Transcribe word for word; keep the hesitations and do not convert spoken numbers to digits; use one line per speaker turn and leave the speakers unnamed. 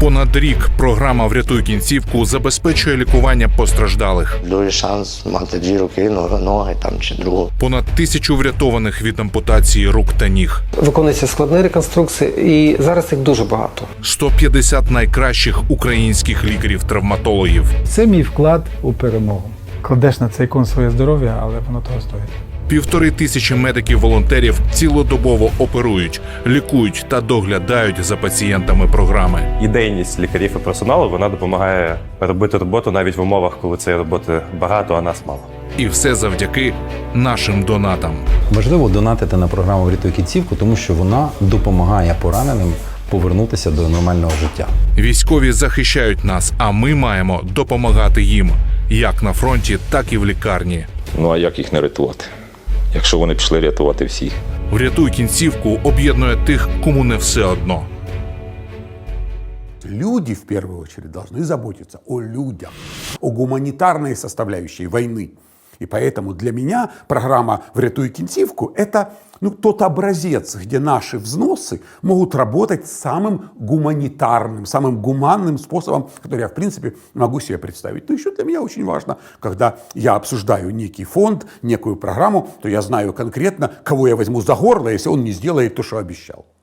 Понад рік програма «Врятуй кінцівку» забезпечує лікування постраждалих.
Дуже шанс мати дві руки, ноги там чи другу.
Понад тисячу врятованих від ампутації рук та ніг.
Виконуються складні реконструкції, і зараз їх дуже багато.
сто п'ятдесят найкращих українських лікарів-травматологів.
Це мій вклад у перемогу. Кладеш на цей кон своє здоров'я, але воно того стоїть.
Півтори тисячі медиків-волонтерів цілодобово оперують, лікують та доглядають за пацієнтами програми.
Ідейність лікарів і персоналу, вона допомагає робити роботу навіть в умовах, коли цієї роботи багато, а нас мало.
І все завдяки нашим донатам.
Важливо донатити на програму «Врятуй кінцівку», тому що вона допомагає пораненим повернутися до нормального життя.
Військові захищають нас, а ми маємо допомагати їм. Як на фронті, так і в лікарні.
Ну а як їх не рятувати, якщо вони пішли рятувати всіх?
«Врятуй кінцівку» об'єднує тих, кому не все одно.
Люди, в первую очередь, должны заботиться о людях, о гуманитарной составляющей войны. И поэтому для меня программа «Врятуй кінцівку» – это ну, тот образец, где наши взносы могут работать самым гуманитарным, самым гуманным способом, который я, в принципе, могу себе представить. Но еще для меня очень важно, когда я обсуждаю некий фонд, некую программу, то я знаю конкретно, кого я возьму за горло, если он не сделает то, что обещал.